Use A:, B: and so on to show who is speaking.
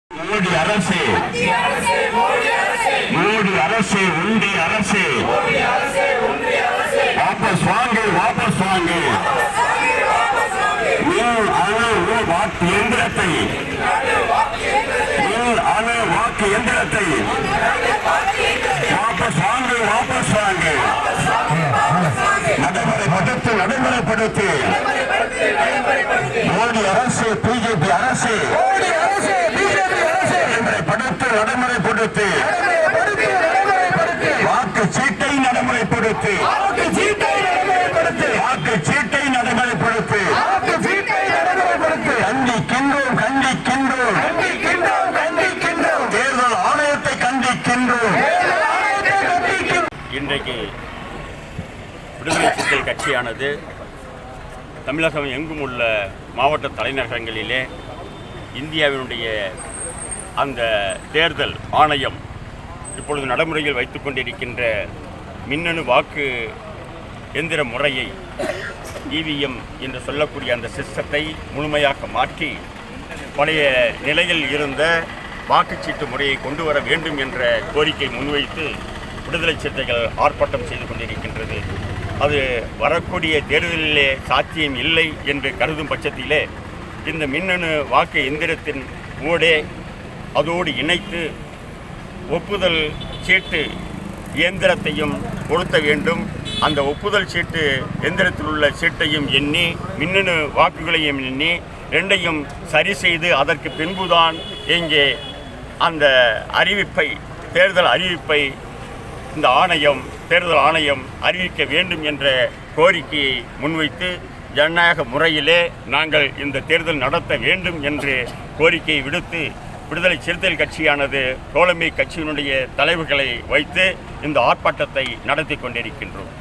A: மோடி அரசு, மோடி அரசு, ஒன்றிய அரசு, வாபஸ் வாங்கு, வாபஸ் வாங்கு. மின் அணு வாக்கு எந்திரத்தை, மின் அணு வாக்கு எந்திரத்தை வாபஸ் வாங்கு, வாபஸ் வாங்கு. நடைமுறைப்படுத்து, நடைமுறைப்படுத்து. மோடி அரசு, பிஜேபி அரசு, நடைமுறைப்படுத்து, நடைமுறைப்படுத்து. வாக்கு சீட்டை நடைமுறைப்படுத்து, வாக்கு சீட்டை நடைமுறைப்படுத்து. கண்டிக்கின்றோம், கண்டிக்கின்றோம், தேர்தல் ஆணையத்தை கண்டிக்கின்றோம்.
B: இன்றைக்கு விடுதலை சிறுத்தைகள் கட்சியானது தமிழகம் எங்கும் உள்ள மாவட்ட தலைநகரங்களிலே இந்தியாவினுடைய அந்த தேர்தல் ஆணையம் இப்பொழுது நடைமுறையில் வைத்து கொண்டிருக்கின்ற மின்னணு வாக்கு எந்திர முறையை இவிஎம் என்று சொல்லக்கூடிய அந்த சிஸ்டத்தை முழுமையாக மாற்றி பழைய நிலையில் இருந்த வாக்குச்சீட்டு முறையை கொண்டு வர வேண்டும் என்ற கோரிக்கை முன்வைத்து விடுதலை சிறுத்தைகள் ஆர்ப்பாட்டம் செய்து கொண்டிருக்கின்றது. அது வரக்கூடிய தேர்தலிலே சாத்தியம் இல்லை என்று கருதும் பட்சத்திலே இந்த மின்னணு வாக்கு எந்திரத்தின் ஊடே அதோடு இணைத்து ஒப்புதல் சீட்டு இயந்திரத்தையும் பொருத்த வேண்டும். அந்த ஒப்புதல் சீட்டு எந்திரத்தில் உள்ள சீட்டையும் எண்ணி மின்னணு வாக்குகளையும் எண்ணி ரெண்டையும் சரி செய்து அதற்கு பின்புதான் இங்கே அந்த அறிவிப்பை, தேர்தல் அறிவிப்பை இந்த தேர்தல் ஆணையம் அறிவிக்க வேண்டும் என்ற கோரிக்கையை முன்வைத்து ஜனநாயக முறையிலே நாங்கள் இந்த தேர்தல் நடத்த வேண்டும் என்று கோரிக்கையை விடுத்து விடுதலை சிறுத்தைகள் கட்சியானது தோழமை கட்சியினுடைய தலைவர்களை வைத்து இந்த ஆர்ப்பாட்டத்தை நடத்தி கொண்டிருக்கின்றோம்.